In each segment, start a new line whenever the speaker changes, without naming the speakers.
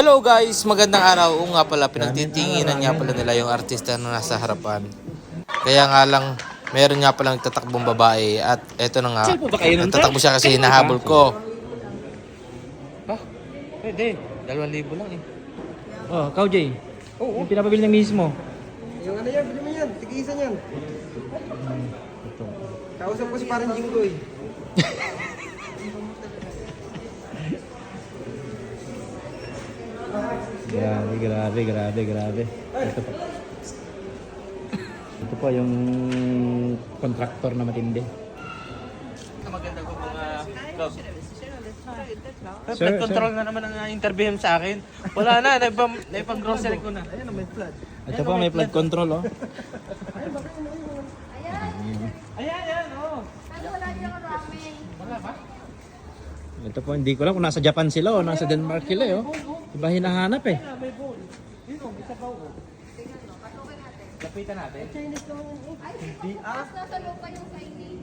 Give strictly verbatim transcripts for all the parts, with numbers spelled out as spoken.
Hello guys, magandang araw. Oo nga pala, pinagtitinginan nga pala nila yung artista na nasa harapan. Kaya nga lang, meron nga pala nagtatakbong babae at eto na nga, nagtatakbo siya kasi hinahabol ko. Ah, pwede. Dalawang libo lang eh.
Oh, Kau Jay.
Oo.
Yung pinapabili ng mismo.
Yung ano yan, bili mo yan, tig-isa yan. Kausap ko si parang Jinggoy.
Grabe, grabe, grabe, grabe. Ito po. Ito po yung kontraktor na matindi.
Maganda ko mga vlog.
Sir,
Flood control na naman ang interview sa akin. Wala na, naipang, naipang grocery ko na.
Ayan, may flood.
Ito po may flood control, oh.
Ayan, ayan, oh.
Ito po, hindi ko lang kung nasa Japan sila o nasa Denmark sila, eh, oh. Iba hinahanap eh.
Lapitan natin.
Hindi ah.
Nasa lupa yung Chinese.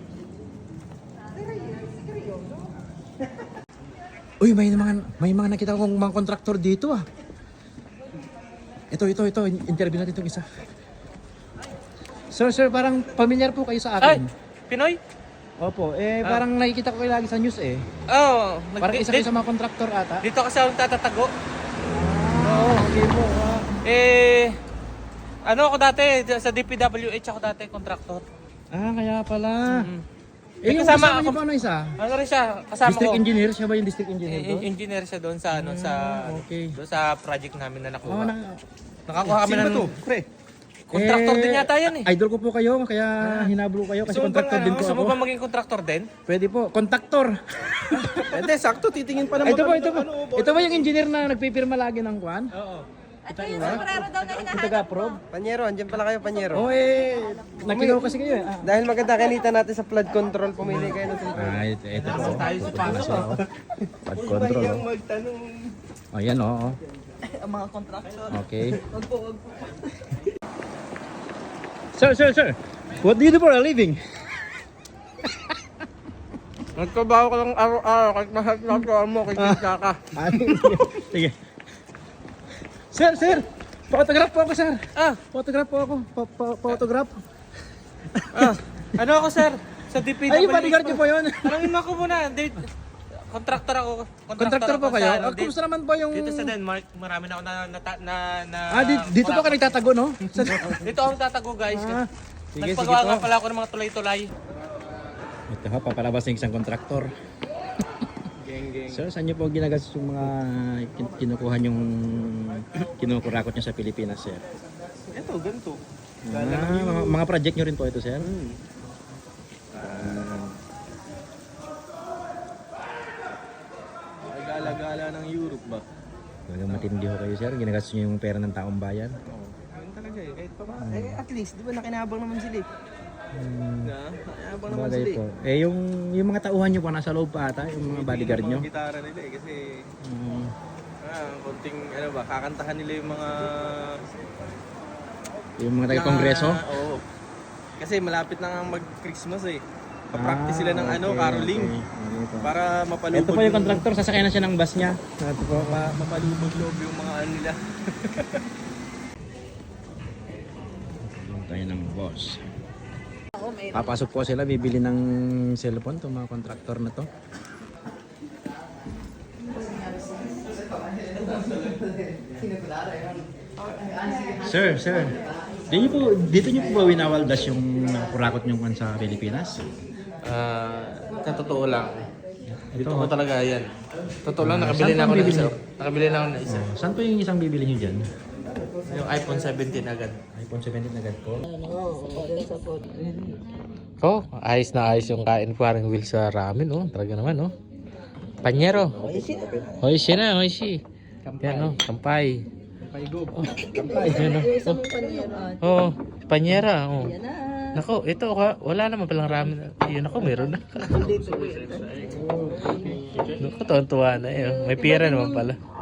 Uy, may mga may mga nakita kong mga kontraktor dito, ah. Ito, ito, ito. Interview natin itong isa. Sir, sir, parang familiar po kayo sa
Ay,
akin.
Pinoy?
Opo, eh parang nakikita ko kayo lagi sa news eh.
Oo. Oh,
Parang isa kayo sa mga kontraktor ata.
Dito kasi ako tatago.
Oo, okay po. ah.
Eh, ano ako dati, sa D P W H ako dati, contractor.
Ah, kaya pala.
Mm.
Eh, yung
kasama
kasama niyo
ako-
pa ano isa?
Ano rin siya, kasama
District
ko.
engineer? Siya ba yung district engineer ko?
Eh, engineer siya doon sa ano sa
Ah, okay.
doon sa project namin na nakuha.
Oo, na,
Nakakuha kami
Sino ba
ng
to? Pre.
contractor
Eh,
din yata yan eh.
Idol ko po kayo, kaya hinablo ko kayo kasi
Gusto mo bang,
kontraktor
ano,
din po
gusto
ako.
mo ba maging contractor din?
Pwede po, kontraktor.
Hindi, sakto, titingin pa naman.
Ito po,
kami
ito
ng
po.
ano,
Ito ba yung engineer na nagpipirma lagi ng kwan?
Oo.
Ito yung sombrero daw na
Yung
hinahanap
taga-approve?
Panyero, andyan pala kayo, Panyero.
Oo eh, nakilaw kasi kayo eh. Ah.
Dahil maganda kanita natin sa flood control, pumili kayo ng sombrero.
Ah, ito, ito po.
Tayo sa paso.
Pad control. Oh.
magtanong.
Ayan oo. Oh,
Ang mga contractor.
okay.
Wag po, wag po.
Sir, sir, sir. What do you do for a living?
Nagtrabaho ka lang araw-araw, kahit mahal na ito mo, kikita ka.
Ah, sige. Sir, sir. Photograph po ako, sir.
Ah,
Photograph po ako. Pa- pa- Photograph.
ah, ano ako sir? Sa D P W H.
Ay, yung bodyguard niyo po yun.
Tanungin mo ako muna. Date, contractor ako.
Contractor po
ako
kayo?
sa, ano,
Ah,
dito-
kumusta naman po yung...
Dito sa Denmark, marami na ako na, na, na, na
Ah, di- dito po ka nagtatago, no? Sa...
Dito ako tatago guys.
Ah, sige, sige
Nagpagawa nga
po.
pala ako ng mga tulay-tulay.
Ito ha, papalabas ng isang kontraktor.
Geng, geng.
Sir, saan niyo po ginagastos yung mga kin- kinukuha yung kinukurakot niyo sa Pilipinas, sir?
Ito, ganito.
Ah, mga, mga project niyo rin po ito, sir?
Hmm. Ay, gala-gala ng Europe ba?
Talagang matindi ho kayo, sir. Ginagastos niyo yung pera ng taong bayan.
Oo. Ganun talaga eh. Kahit pa ba? Eh, at least, di ba nakinabang naman sila eh.
Hmm,
Na, nakinabang naman
bagay
sila
po.
eh.
Eh, yung, yung mga tauhan niyo po nasa loob pa ata, yung mga bodyguard niyo.
Yung mga gitara nila eh, kasi
Hmm,
ah, konting ano ba, kakantahan nila yung mga
yung mga taga-kongreso.
Na- Oo. Kasi malapit na nga mag-Christmas eh. Pa-practice sila ng
Ah,
ano,
okay,
caroling.
okay. Okay po.
Para mapalubog.
Ito po yung kontraktor, sasakyan na siya ng bus niya. Ito po.
ma- mapalubog loob yung mga ano nila.
Yung tayo ng boss. Papasok po sila, bibili ng cellphone itong mga kontraktor na to. Sir, sir. Dito niyo po, dito niyo po ba winawaldas yung kurakot niyo sa Pilipinas?
Ah, sa totoo lang.
Ito,
Totoo talaga yan. Totoo lang,
Ah,
nakabili
saan
na ako
po
ng
bibili?
isa. Nakabili na ako ng isa.
Oh, saan po yung isang bibili niyo dyan?
Yung iPhone seventeen agad.
iPhone seventeen agad po.
Oh, ayos na ayos yung kain parang wheel sa ramen, oh. Talaga naman, oh. Panyero. Oishi na, oishi. Yan, oh, kampay. Oh, kampay. Yan, oh. Oh, panyera, oh. Nako, ito ka, wala naman palang ramen. Yun ako, meron na. Nako, tuwan-tuwa na eh. Oh. May pira naman pala.